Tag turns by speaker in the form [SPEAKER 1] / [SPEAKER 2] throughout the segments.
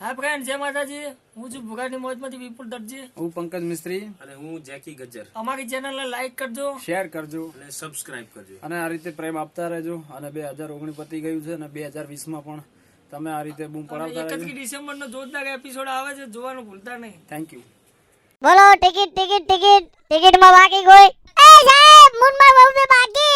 [SPEAKER 1] હા ફ્રેન્ડ, જય માતાજી. હું છું ભુગાની મોજમાંથી વિપુલ દરજી.
[SPEAKER 2] હું પંકજ મિસ્ત્રી.
[SPEAKER 3] અને હું જેકી ગજ્જર.
[SPEAKER 1] અમારી ચેનલને લાઈક કરજો,
[SPEAKER 2] શેર કરજો
[SPEAKER 3] અને સબસ્ક્રાઇબ કરજો.
[SPEAKER 2] અને આ રીતે પ્રેમ આપતા રહેજો. અને 2019 પતી ગયું છે અને 2020 માં પણ તમે આ રીતે બૂમ પડાવતા રહેજો.
[SPEAKER 1] 31 ડિસેમ્બરનો જોરદાર એપિસોડ આવે છે, જોવાનું ભૂલતા નહીં.
[SPEAKER 2] Thank you.
[SPEAKER 4] બોલો ટિકિટ ટિકિટ ટિકિટ ટિકિટ માં બાકી કોઈ? એ સાહેબ મુનમાં બહુ બે બાકી.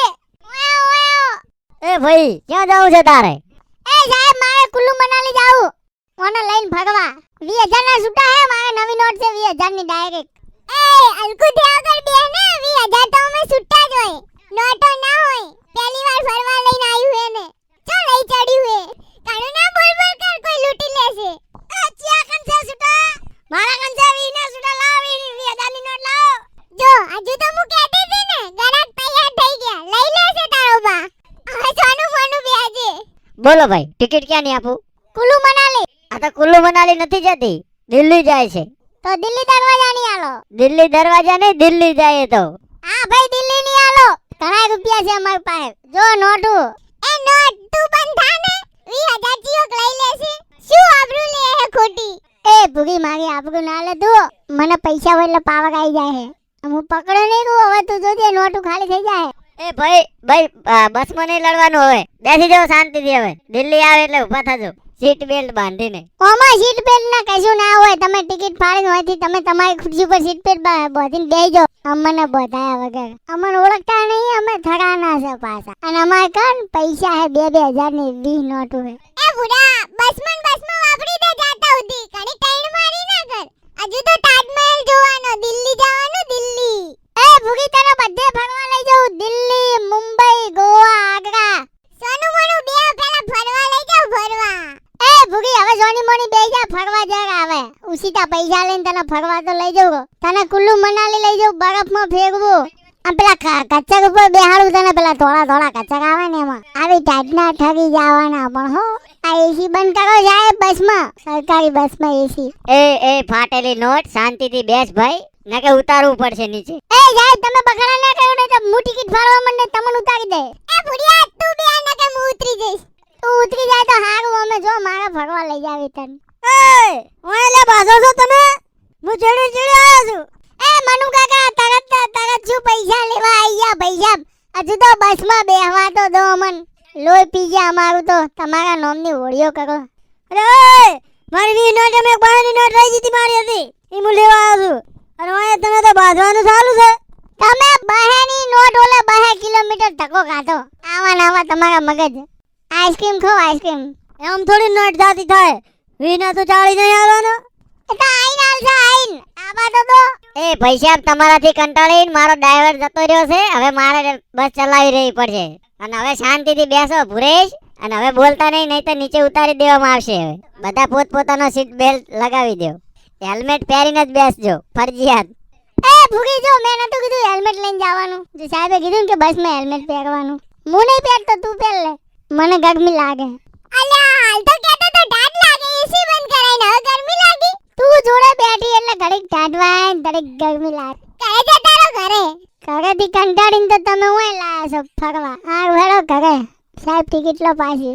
[SPEAKER 4] એ ભાઈ ક્યાં જાવું છે તારે? એ સાહેબ મારે કુલ્લુ મનાલી જાવું. ઓને લઈને ભગવા 20000 ના છૂટા હે. મારે નવી નોટ છે 20000 ની ડાયરેક્ટ. એ અલકુ થયા કર બે ને 20000 તો અમે છૂટા જ હોય, નોટો ના હોય. પહેલી વાર ફરવા લઈને આવ્યું હે ને ચો લઈ ચડ્યું હે. કાણો ના બોલ બોલ કર, કોઈ લૂટી લેશે. એ ચિયા કન છે છૂટા? મારા કન છે 20 ના છૂટા લાવ, 20000 ની નોટ લાવ. જો હજુ તો હું કહેતી હતી ને ગરાક તૈયાર થઈ ગયા, લઈ લેશે તારો બા. હવે સોનું ફોનું બેજે. બોલો ભાઈ ટિકિટ ક્યાં ની આપું? કુલ્લુ મનાલી. આ તો કુલ્લુ મનાલી નથી જતી, દિલ્હી જાય છે. તો દિલ્હી દરવાજા ની આલો. દિલ્હી દરવાજા નહીં, દિલ્હી જાય તો. હા ભાઈ દિલ્હી ની આલો. ઘણા રૂપિયા છે અમાર પાસે. જો નોટુ. એ નોટ તું બંધ થા ને 20000 ચિયોક લઈ લેશે. શું આબરૂ લે હે ખોટી? એ ભૂગી મારી આબરૂ ના લે તું. મને પૈસા હોય એટલે પાવર આવી જાય હે. હું પકડો નહીં કહું, હવે તું જોજે નોટુ ખાલી થઈ જાય. એ ભાઈ બસ માં નહીં લડવાનું, હવે બેસી જાઓ શાંતિથી. હવે દિલ્હી આવે એટલે ઊભા થજો સીટ બેલ્ટ બાંધીને. ઓમાં સીટ બેલ્ટ ના કશું ના હોય. તમે ટિકિટ ફાડીને હોયથી તમે તમારી ખુરશી પર સીટ બેલ્ટ બાંધીને બેસી જાઓ. અમને બધાયા વગર અમને ઓળખતા નહીં, અમે થડાના છે પાછા. અને અમારે કાન પૈસા હે 2000 ની 20 નોટો હે. એ બુડા બસમાં વાપરી દે જાતા ઉધી. કણી ટાઈડ મારી ના કર. હજુ તો તાજમહેલ જોવાનો, દિલ્હી જવાનું દિલ્હી. એ ભૂગી તને બધે ફરવા લઈ જાઉં, દિલ્હી, મુંબઈ, ગોવા, આગ્રા. સોનું મોનું બે પેલા ફરવા લઈ જાઉં ફરવા. એ ભૂગી હવે સોની મોની બે જા ફરવા જરા. આવે ઉસીતા પૈસા લઈને તને ફરવા તો લઈ જાઉં. તને કુલ્લુ મનાલી લઈ જાઉં, બરફમાં ફેરવું. આ પેલા કચ્ચક ઉપર બેહાડું તને, પેલા થોડા કચ્ચક આવે ને એમાં આવી ટાઈટના ઠગી જવાના. પણ હો આ એસી બંધ કરો જાય બસમાં, સરકારી બસમાં એસી. એ ફાટેલી નોટ, શાંતિથી બેસ ભાઈ, નકે ઉતારવું પડશે નીચે. એ જાય તમે બગડા ના કરો ને તો હું ટિકિટ ફાડવા માંડે તમને ઉતારી દે. એ ભુડિયા તું બે નકે હું ઉતરી જઈશ. તું ઉતરી જાય તો હારું, અમે જો મારા ફરવા લઈ જાવી તને. એ ઓય લે બાજો છો તમે? હું ચડી આવ્યો છું. એ મનુ કાકા તરત શું પૈસા લેવા આયા? પૈસા હજુ તો બસમાં બેહવા તો દો મન. લોહી પી ગયા અમારું તો. તમારા નામની હોળીઓ કરો. અરે ઓય મારી નોટ અમે બાની નોટ રહી જીતી મારી હતી, ઈ હું લેવા આવ્યો છું. અને ઓય તમે તો બાંધવાનું ચાલુ છે. તમે બહેની નોટ ઓલે 2 કિલોમીટર ધક્કો ખાધો. આવા તમારા મગજ. આઈસ્ક્રીમ ખાઓ આઈસ્ક્રીમ. એમ થોડી નોટ જાતી થાય. વીના તો 40 નહીં આવવાનો. એ તો આઈન આલશે આઈન. આવા તો એ પૈસા તમારાથી કંટાળીને મારો ડ્રાઈવર જતો રહ્યો છે. હવે મારે બસ ચલાવી રહી પડશે. અને હવે શાંતિથી બેસો ભુરેશ. અને હવે બોલતા નહીં તો નીચે ઉતારી દેવામાં આવશે. હવે બધા પોતપોતાનો સીટ બેલ્ટ લગાવી દો. હેલ્મેટ પહેરીને જ બેસજો ફરજિયાત. એ ભૂગી જો મેં નતું કીધું હેલ્મેટ લઈને જવાનું. જે સાહેબે કીધું કે બસમાં હેલ્મેટ પહેરવાનું. હું નહીં પહેરતો, તું પહેર લે. મને ગરમી લાગે. અલ્યા હાલ તો કહેતો તો ઢાઢ લાગે, એસી બંધ કરાઈને હવે ગરમી લાગી. તું જોડે બેઠી એટલે ઘડીક ઢાઢવાય, ઘડીક ગરમી લાગે. ઘરે જતા રહો ઘરે. ઘરેથી કંટાળીને તો તમે હું લાયા છો ફરવા. આ હેડો ઘરે. સાહેબ ટિકિટ લો પાછી.